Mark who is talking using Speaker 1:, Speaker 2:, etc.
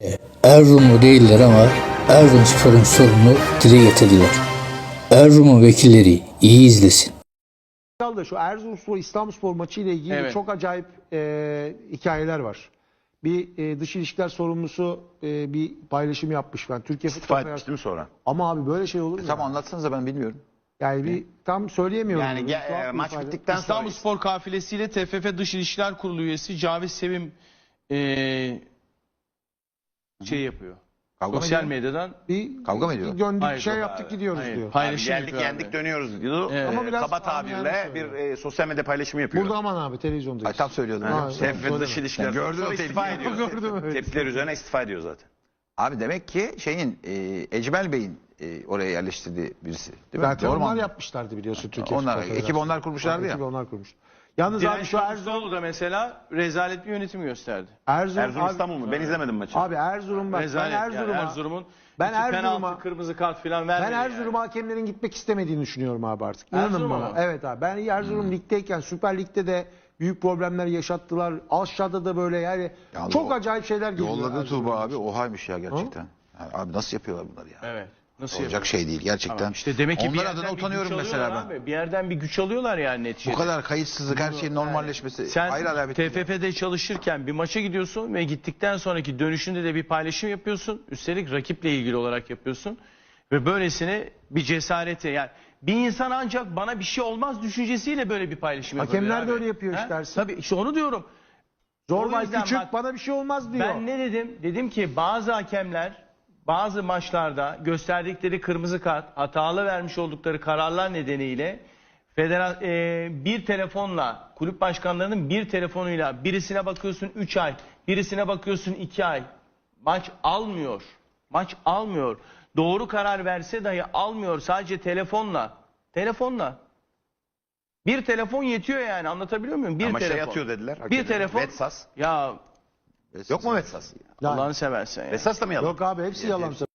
Speaker 1: Erzurumlu değiller ama Erzurumspor'un sorununu dile getirdiler. Erzurum'un vekilleri iyi izlesin.
Speaker 2: Da şu Erzurumspor İstanbulspor maçı ile ilgili
Speaker 3: Evet.
Speaker 2: çok acayip hikayeler var. Bir dış ilişkiler sorumlusu bir paylaşım yapmış ben. Türkiye
Speaker 4: İstifa
Speaker 2: Futbol
Speaker 4: etmiş değil mi sonra?
Speaker 2: Ama abi böyle şey olur mu?
Speaker 5: Tam
Speaker 2: ya?
Speaker 5: anlatsanıza, ben bilmiyorum.
Speaker 2: Yani bir tam söyleyemiyorum.
Speaker 4: Yani
Speaker 2: Tuhaf bir
Speaker 4: maç
Speaker 2: ifade.
Speaker 4: bittikten sonra
Speaker 3: İstanbulspor kafilesiyle TFF Dış İlişkiler Kurulu üyesi Cavit Sevim şey yapıyor.
Speaker 5: Kavga mı
Speaker 3: Sosyal
Speaker 5: ediyor?
Speaker 3: medyadan
Speaker 2: bir
Speaker 5: Kavga mı ediyor?
Speaker 2: bir döndük
Speaker 3: Hayır,
Speaker 2: şey
Speaker 3: yok
Speaker 2: yaptık
Speaker 3: abi.
Speaker 2: gidiyoruz
Speaker 3: Hayır,
Speaker 2: diyor.
Speaker 4: abi
Speaker 3: paylaşım
Speaker 4: geldik
Speaker 3: yapıyor
Speaker 4: yendik
Speaker 3: abi.
Speaker 4: dönüyoruz diyor.
Speaker 3: Evet.
Speaker 2: Ama biraz
Speaker 4: Kaba
Speaker 2: anlayan
Speaker 4: tabirle
Speaker 2: söylüyor.
Speaker 4: bir sosyal medya paylaşımı yapıyor.
Speaker 2: Burada aman abi televizyondayız.
Speaker 5: Ay, tam söylüyordum.
Speaker 2: Ha,
Speaker 5: Evet.
Speaker 4: TFF dış ilişkiler
Speaker 5: Ben gördüm
Speaker 4: sonra
Speaker 5: o
Speaker 4: istifa
Speaker 5: tepkiyi.
Speaker 4: ediyor.
Speaker 2: Gördüm, evet.
Speaker 4: Tepkiler üzerine istifa ediyor zaten.
Speaker 5: Abi demek ki şeyin Ecmel Bey'in oraya yerleştirdiği birisi. Değil mi?
Speaker 2: Zaten
Speaker 5: Doğru mu
Speaker 2: onlar
Speaker 5: anladım?
Speaker 2: yapmışlardı biliyorsun Türkiye
Speaker 5: Onlar,
Speaker 2: Futbol
Speaker 5: ekibi
Speaker 2: Federasyonu.
Speaker 5: onlar kurmuşlardı ya.
Speaker 2: Ekibi onlar kurmuş. Yalnız abi
Speaker 3: Direnç
Speaker 2: şu Erzurum,
Speaker 3: Kılıçdaroğlu da mesela rezalet bir yönetim gösterdi.
Speaker 4: Erzurum
Speaker 2: abi,
Speaker 4: İstanbul mu? Ben izlemedim maçı.
Speaker 2: abi Erzurum bak ben
Speaker 3: Rezalet yani.
Speaker 2: Erzurum'a
Speaker 3: Erzurum'un
Speaker 2: ben
Speaker 3: iki
Speaker 2: Erzurum'a-
Speaker 3: penaltı, kırmızı kart falan
Speaker 2: ben
Speaker 3: vermedi
Speaker 2: Erzurum hakemlerin gitmek istemediğini düşünüyorum abi artık. İnanın
Speaker 3: Erzurum'a
Speaker 2: bana.
Speaker 3: mı?
Speaker 2: Evet abi. Ben Erzurum ligdeyken Süper Lig'de de büyük problemler yaşattılar. Aşağıda da böyle yani
Speaker 5: Ya
Speaker 2: çok
Speaker 5: o-
Speaker 2: acayip şeyler geliyor.
Speaker 5: Yolladı
Speaker 2: Erzurum'a.
Speaker 5: Tuğba abi, ohaymış ya gerçekten. Yani abi nasıl yapıyorlar bunları ya?
Speaker 3: Evet. Nasıl
Speaker 5: Olacak
Speaker 3: yapıyor?
Speaker 5: şey değil gerçekten.
Speaker 3: Tamam, İşte demek ki bir
Speaker 5: Onlar
Speaker 3: yerden
Speaker 5: adına
Speaker 3: bir
Speaker 5: utanıyorum
Speaker 3: güç
Speaker 5: mesela
Speaker 3: alıyorlar
Speaker 5: ben.
Speaker 3: abi. Bir yerden bir güç alıyorlar yani neticede.
Speaker 5: Bu kadar kayıtsızlık, her şeyin normalleşmesi.
Speaker 3: Sen
Speaker 5: ayrı alamet değil.
Speaker 3: TFF'de çalışırken bir maça gidiyorsun ve gittikten sonraki dönüşünde de bir paylaşım yapıyorsun. Üstelik rakiple ilgili olarak yapıyorsun. Ve böylesine bir cesarete, yani bir insan ancak bana bir şey olmaz düşüncesiyle böyle bir paylaşım yapabilir.
Speaker 2: Hakemler de
Speaker 3: abi.
Speaker 2: öyle yapıyor işte
Speaker 3: Ha?
Speaker 2: Ersin.
Speaker 3: Tabii işte onu diyorum. O
Speaker 2: Zorbay
Speaker 3: yüzden
Speaker 2: küçük
Speaker 3: bak-
Speaker 2: bana bir şey olmaz diyor.
Speaker 3: Ben ne dedim? Dedim ki bazı hakemler bazı maçlarda gösterdikleri kırmızı kart, hatalı vermiş oldukları kararlar nedeniyle bir telefonla, kulüp başkanlarının bir telefonuyla birisine bakıyorsun 3 ay, birisine bakıyorsun 2 ay. Maç almıyor. Maç almıyor. Doğru karar verse dahi almıyor, sadece telefonla. Telefonla. Bir telefon yetiyor yani, anlatabiliyor muyum? Bir
Speaker 4: Ama
Speaker 3: telefon.
Speaker 4: şey atıyor dediler.
Speaker 3: Bir
Speaker 4: hakemler.
Speaker 3: telefon.
Speaker 4: Vetsas.
Speaker 3: Ya
Speaker 4: Yok mu Vetsas?
Speaker 2: Ya-
Speaker 3: Allah'ını seversen ya.
Speaker 4: Vetsas da mı yalan?
Speaker 2: Yok abi hepsi yalan.